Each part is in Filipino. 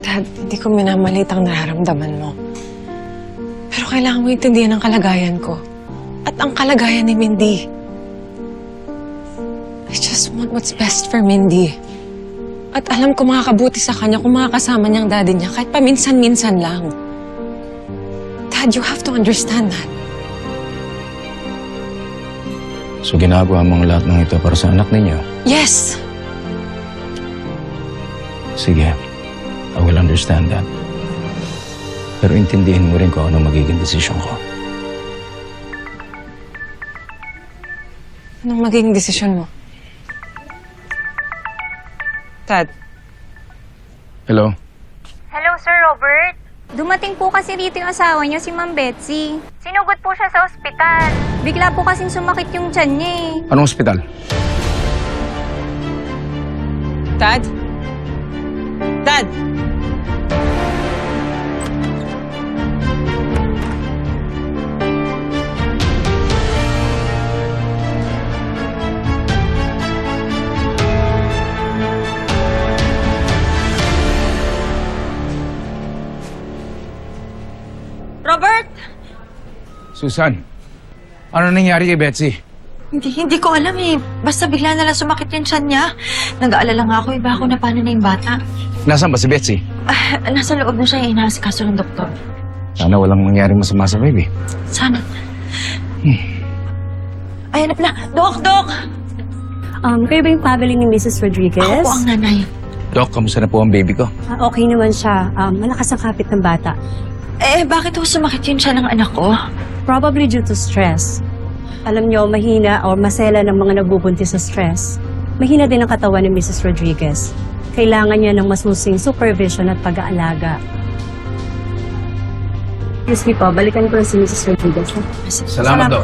Dad, hindi ko minamalit ang nararamdaman mo. Pero kailangan mo intindihan ang kalagayan ko. At ang kalagayan ni Mindy. I just want what's best for Mindy. At alam ko makakabuti sa kanya kung makakasama niyang daddy niya kahit paminsan-minsan lang. Dad, you have to understand that. So ginagawa mo ang lahat ng ito para sa anak ninyo? Yes! Sige, I will understand that. Pero intindihin mo rin kung ano magiging desisyon ko. Anong magiging desisyon mo? Dad. Hello? Hello, Sir Robert. Dumating po kasi dito yung asawa niya, si Ma'am Betsy. Sinugod po siya sa ospital. Bigla po kasing sumakit yung tiyan niya eh. Anong ospital? Dad? Dad! Robert! Susan, ano nangyari kay Betsy? Hindi ko alam eh. Basta bigla na lang sumakit yung tiyan niya. Nag-aalala nga ako, iba ako na paano na yung bata. Nasaan ba si Betsy? Nasa loob na siya, inaasikaso ng doktor. Sana walang mangyaring masama sa baby. Sana. Ay, hanap na. Dok! Kayo ba yung family ni Mrs. Rodriguez? Ako po ang nanay. Doc, kamusta na po ang baby ko? Okay naman siya. Malakas ang kapit ng bata. Bakit ho sumakit yung tiyan ng anak ko? Probably due to stress. Alam niyo, mahina o masela ng mga nagbubuntis sa stress. Mahina din ang katawan ni Mrs. Rodriguez. Kailangan niya ng masusing supervision at pag-aalaga. Excuse me po, balikan ko lang si Mrs. Rodriguez. Salamat, Doc.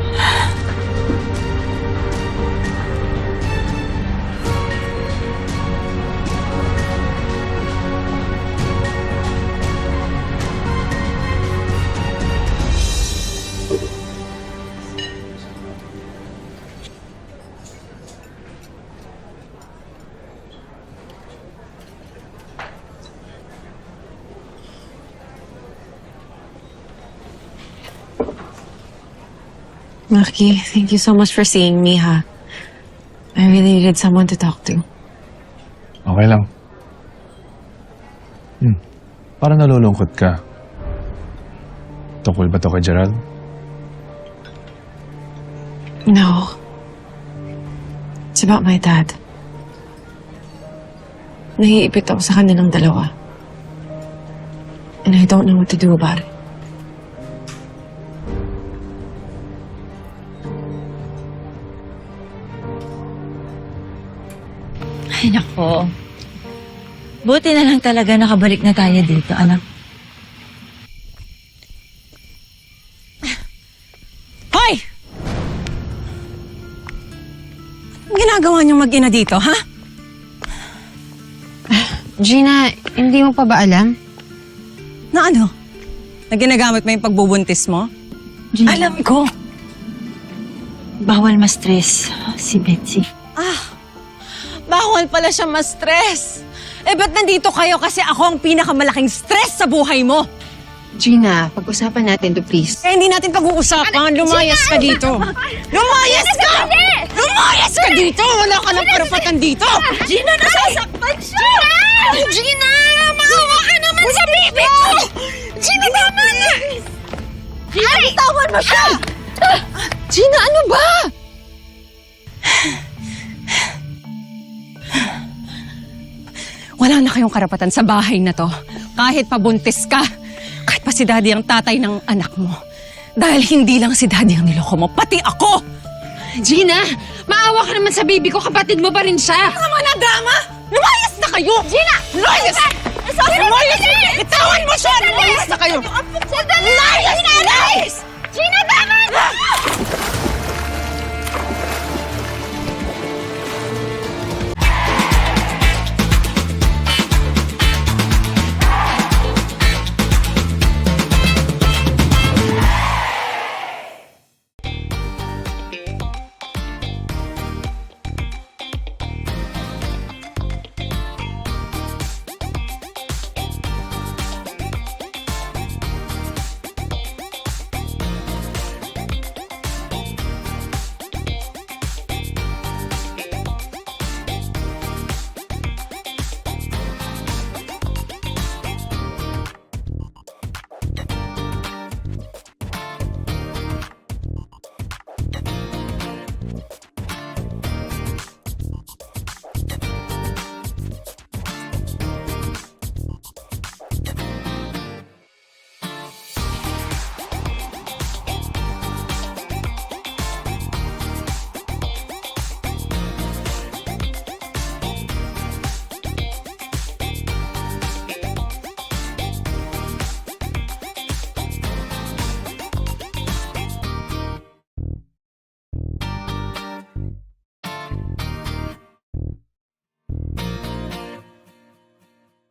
Maki, thank you so much for seeing me, ha? I really needed someone to talk to. Okay lang. Parang nalulungkot ka. Tungkol ba to kay Gerald? No. It's about my dad. Naiipit ako sa kanilang dalawa. And I don't know what to do about it. Ay, nako. Buti na lang talaga nakabalik na tayo dito, anak. Hoy! Anong ginagawa niyong mag-ina dito, ha? Gina, hindi mo pa ba alam? Na ano? Na ginagamit mo yung pagbubuntis mo? Alam ko. Bawal ma-stress si Betsy. Bawal pala siya ma-stress. Ba't nandito kayo kasi ako ang pinakamalaking stress sa buhay mo? Gina, pag-usapan natin to, please. Hindi natin pag-uusapan. Lumayas ka dito. Lumayas ka! Lumayas ka dito! Wala ka ng karapatan dito! Gina, nasasaktan siya! Gina! Maawa ka naman sa baby ko! Gina, tama na! Gina, bitawan mo siya! Gina, ano ba? Wala na kayong karapatan sa bahay na to. Kahit pabuntis ka. Kahit pa si Daddy ang tatay ng anak mo. Dahil hindi lang si Daddy ang niloko mo, pati ako! Gina, maawa ka naman sa baby ko. Kapatid mo pa rin siya. Tama na, drama! Lumayas na kayo! Gina! Lumayas! Lumayas! Itawan mo siya! Lumayas na kayo! Lumayas! Lumayas! Gina, tama na!